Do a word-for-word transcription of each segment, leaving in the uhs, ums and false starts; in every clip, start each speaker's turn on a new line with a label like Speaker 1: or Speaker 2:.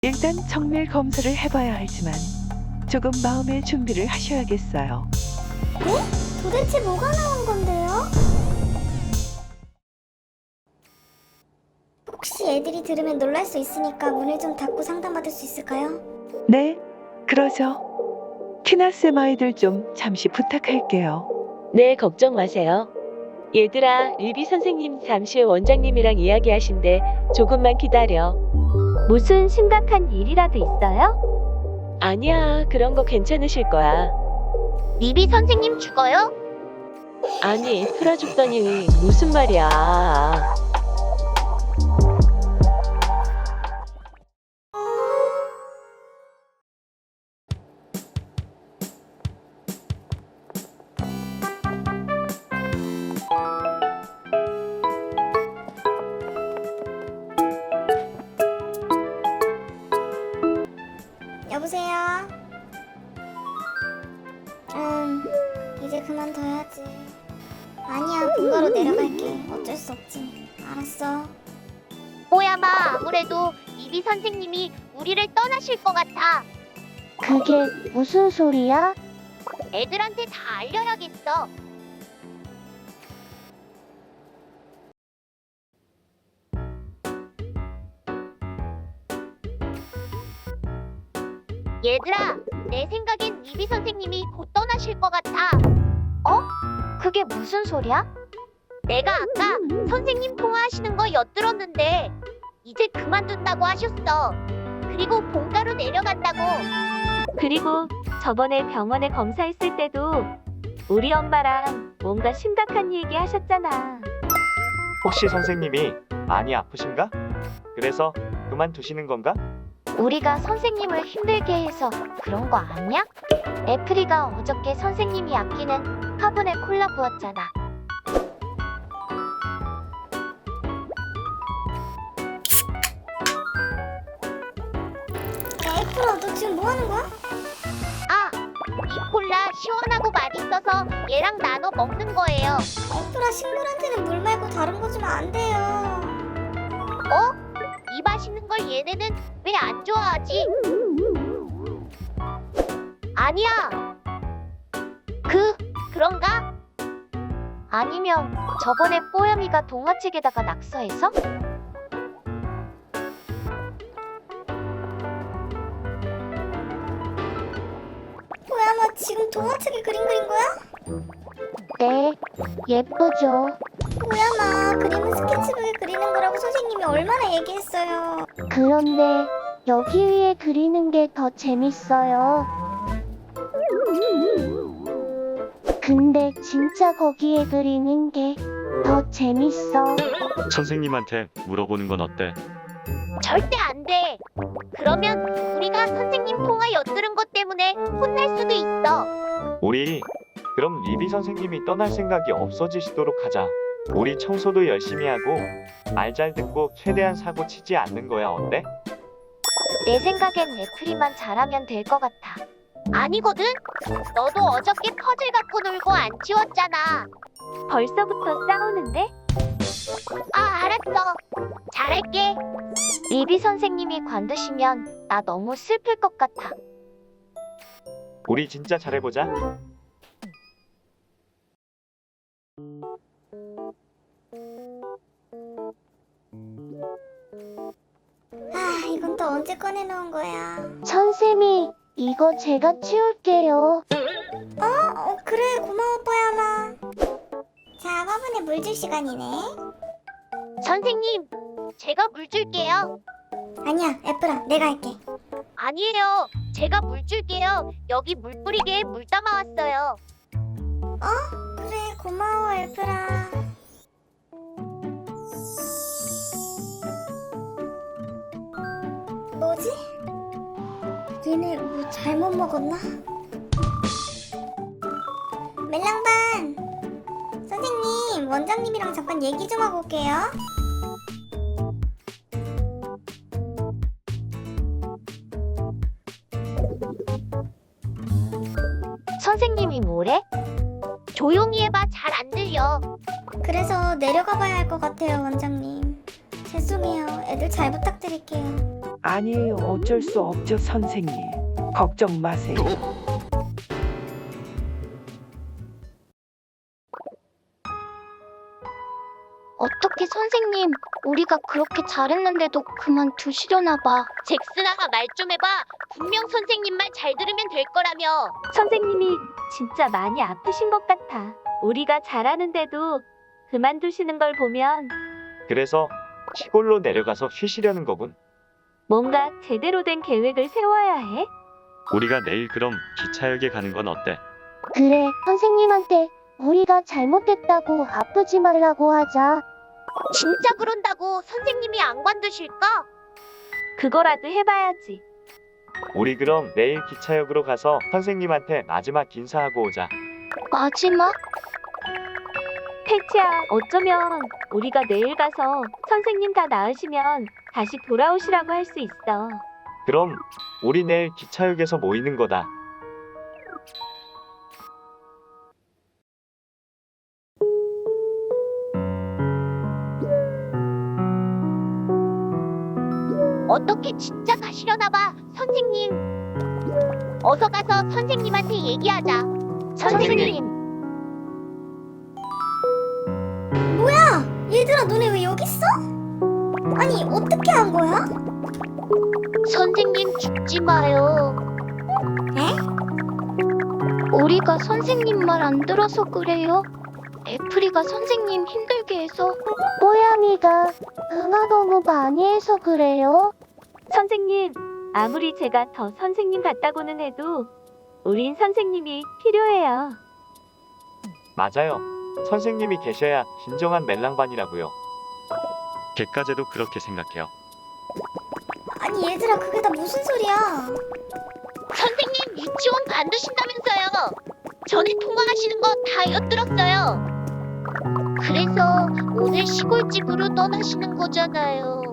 Speaker 1: 일단 정밀 검사를 해봐야 알지만 조금 마음의 준비를 하셔야겠어요.
Speaker 2: 네? 도대체 뭐가 나온 건데요? 혹시 애들이 들으면 놀랄 수 있으니까 문을 좀 닫고 상담받을 수 있을까요?
Speaker 1: 네, 그러죠. 티나쌤 아이들 좀 잠시 부탁할게요.
Speaker 3: 네, 걱정 마세요. 얘들아, 리비 선생님 잠시 후에 원장님이랑 이야기하신대. 조금만 기다려.
Speaker 4: 무슨 심각한 일이라도 있어요?
Speaker 3: 아니야, 그런 거 괜찮으실 거야.
Speaker 2: 리비 선생님 죽어요?
Speaker 3: 아니, 풀어줬더니 무슨 말이야.
Speaker 2: 여보세요? 음, 이제 그만둬야지. 아니야, 본가로 내려갈게. 어쩔 수 없지. 알았어.
Speaker 5: 뽀야마, 아무래도 이비 선생님이 우리를 떠나실 것 같아.
Speaker 4: 그게 무슨 소리야?
Speaker 5: 애들한테 다 알려야겠어. 얘들아, 내 생각엔 이비 선생님이 곧 떠나실 것 같아.
Speaker 4: 어? 그게 무슨 소리야?
Speaker 5: 내가 아까 선생님 통화하시는 거 엿들었는데 이제 그만둔다고 하셨어. 그리고 본가로 내려간다고.
Speaker 4: 그리고 저번에 병원에 검사했을 때도 우리 엄마랑 뭔가 심각한 얘기 하셨잖아.
Speaker 6: 혹시 선생님이 많이 아프신가? 그래서 그만두시는 건가?
Speaker 4: 우리가 선생님을 힘들게 해서 그런 거 아니야? 애플이가 어저께 선생님이 아끼는 화분에 콜라 부었잖아.
Speaker 2: 야, 애플아, 너 지금 뭐 하는 거야?
Speaker 5: 아, 이 콜라 시원하고 맛있어서 얘랑 나눠 먹는 거예요.
Speaker 2: 애플아, 식물한테는 물 말고 다른 거 주면 안 돼요.
Speaker 5: 어? 이 맛있는 걸 얘네는 왜 안 좋아하지? 아니야. 그, 그런가?
Speaker 4: 아니면 저번에 뽀염이가 동화책에다가 낙서해서?
Speaker 2: 뭐야, 뭐 지금 동화책에 그림 그린 거야?
Speaker 4: 네, 예쁘죠.
Speaker 2: 뭐야, 마 그림은 스케치북에 그리는 거라고 선생님이 얼마나 얘기했어요.
Speaker 4: 그런데 여기 위에 그리는 게 더 재밌어요. 근데 진짜 거기에 그리는 게 더 재밌어.
Speaker 6: 선생님한테 물어보는 건 어때?
Speaker 5: 절대 안 돼. 그러면 우리가 선생님 통화 엿들은 것 때문에 혼날 수도 있어.
Speaker 6: 우리 그럼 리비 선생님이 떠날 생각이 없어지시도록 하자. 우리 청소도 열심히 하고 말 잘 듣고 최대한 사고 치지 않는 거야. 어때?
Speaker 4: 내 생각엔 애플이만 잘하면 될 것 같아.
Speaker 5: 아니거든? 너도 어저께 퍼즐 갖고 놀고 안 치웠잖아.
Speaker 4: 벌써부터 싸우는데?
Speaker 5: 아, 알았어. 잘할게.
Speaker 4: 리비 선생님이 관두시면 나 너무 슬플 것 같아.
Speaker 6: 우리 진짜 잘해보자.
Speaker 2: 아, 이건 또 언제 꺼내놓은 거야?
Speaker 4: 선생님, 이거 제가 치울게요.
Speaker 2: 어? 어, 그래, 고마워, 뽀야마. 자, 화분에 물 줄 시간이네.
Speaker 5: 선생님, 제가 물 줄게요.
Speaker 2: 아니야, 애플아, 내가 할게.
Speaker 5: 아니에요. 제가 물 줄게요. 여기 물 뿌리게 물 담아왔어요.
Speaker 2: 어? 그래, 고마워, 애플아. 뭐지? 얘네 뭐 잘못 먹었나? 멜랑반! 선생님, 원장님이랑 잠깐 얘기 좀 하고 올게요.
Speaker 4: 선생님이 뭐래?
Speaker 5: 조용히 해봐. 잘 안 들려.
Speaker 2: 그래서 내려가 봐야 할 것 같아요, 원장님. 죄송해요. 애들 잘 부탁드릴게요.
Speaker 1: 아니, 어쩔 수 없죠, 선생님. 걱정 마세요.
Speaker 4: 어떻게 선생님, 우리가 그렇게 잘했는데도 그만두시려나 봐.
Speaker 5: 잭슨아가 말 좀 해봐. 분명 선생님 말 잘 들으면 될 거라며.
Speaker 3: 선생님이 진짜 많이 아프신 것 같아. 우리가 잘하는데도 그만두시는 걸 보면
Speaker 6: 그래서 시골로 내려가서 쉬시려는 거군.
Speaker 3: 뭔가 제대로 된 계획을 세워야 해.
Speaker 6: 우리가 내일 그럼 기차역에 가는 건 어때?
Speaker 4: 그래, 선생님한테 우리가 잘못했다고 아프지 말라고 하자.
Speaker 5: 진짜 그런다고 선생님이 안 관두실까?
Speaker 3: 그거라도 해봐야지.
Speaker 6: 우리 그럼 내일 기차역으로 가서 선생님한테 마지막 인사하고 오자.
Speaker 4: 마지막?
Speaker 3: 패치야, 어쩌면 우리가 내일 가서 선생님 다 나으시면 다시 돌아오시라고 할 수 있어.
Speaker 6: 그럼 우리 내일 기차역에서 모이는 거다.
Speaker 5: 어떻게 진짜 가시려나 봐. 선생님. 어서 가서 선생님한테 얘기하자.
Speaker 3: 선생님.
Speaker 2: 뭐야? 얘들아, 너네 왜 여기 있어? 아니, 어떻게 한 거야?
Speaker 5: 선생님 죽지 마요.
Speaker 4: 우리가 선생님 말 안 들어서 그래요. 애플이가 선생님 힘들게 해서. 뽀야미가 응아 너무 많이 해서 그래요.
Speaker 3: 선생님, 아무리 제가 더 선생님 같다고는 해도 우린 선생님이 필요해요.
Speaker 6: 맞아요. 선생님이 계셔야 진정한 멜랑반이라고요. 객가제도 그렇게 생각해요.
Speaker 2: 아니, 얘들아, 그게 다 무슨 소리야?
Speaker 5: 선생님 유치원 관두신다면서요. 전에 통화하시는 거 다 엿들었어요. 그래서 오늘 시골집으로 떠나시는 거잖아요.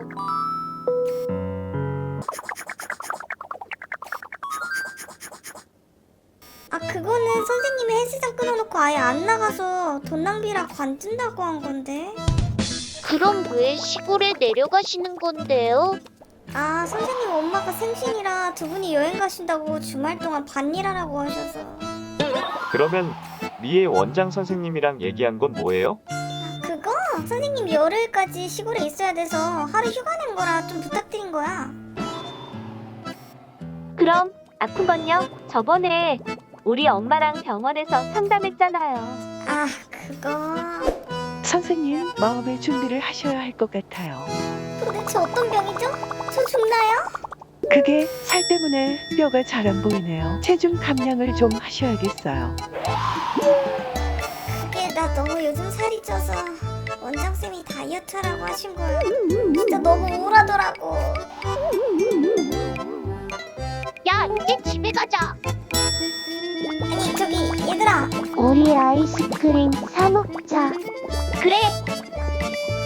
Speaker 2: 아, 그거는 선생님이 헬스장 끊어놓고 아예 안 나가서 돈 낭비라 관둔다고 한 건데.
Speaker 5: 그럼 왜 시골에 내려가시는 건데요?
Speaker 2: 아, 선생님 엄마가 생신이라 두 분이 여행 가신다고 주말 동안 반일하라고 하셔서.
Speaker 6: 그러면 미애 원장 선생님이랑 얘기한 건 뭐예요?
Speaker 2: 아, 그거 선생님 열흘까지 시골에 있어야 돼서 하루 휴가 낸 거라 좀 부탁드린 거야.
Speaker 3: 그럼 아픈 건요? 저번에 우리 엄마랑 병원에서 상담했잖아요.
Speaker 2: 아, 그거
Speaker 1: 선생님, 마음의 준비를 하셔야 할 것 같아요.
Speaker 2: 도대체 어떤 병이죠? 저 죽나요?
Speaker 1: 그게 살 때문에 뼈가 잘 안 보이네요. 체중 감량을 좀 하셔야겠어요.
Speaker 2: 그게 나 너무 요즘 살이 쪄서 원장쌤이 다이어트 하라고 하신 거야. 진짜 너무 우울하더라고.
Speaker 5: 야, 이제 집에 가자.
Speaker 2: 아니, 저기 얘들아,
Speaker 4: 우리 아이스크림 사 먹자.
Speaker 5: 그래.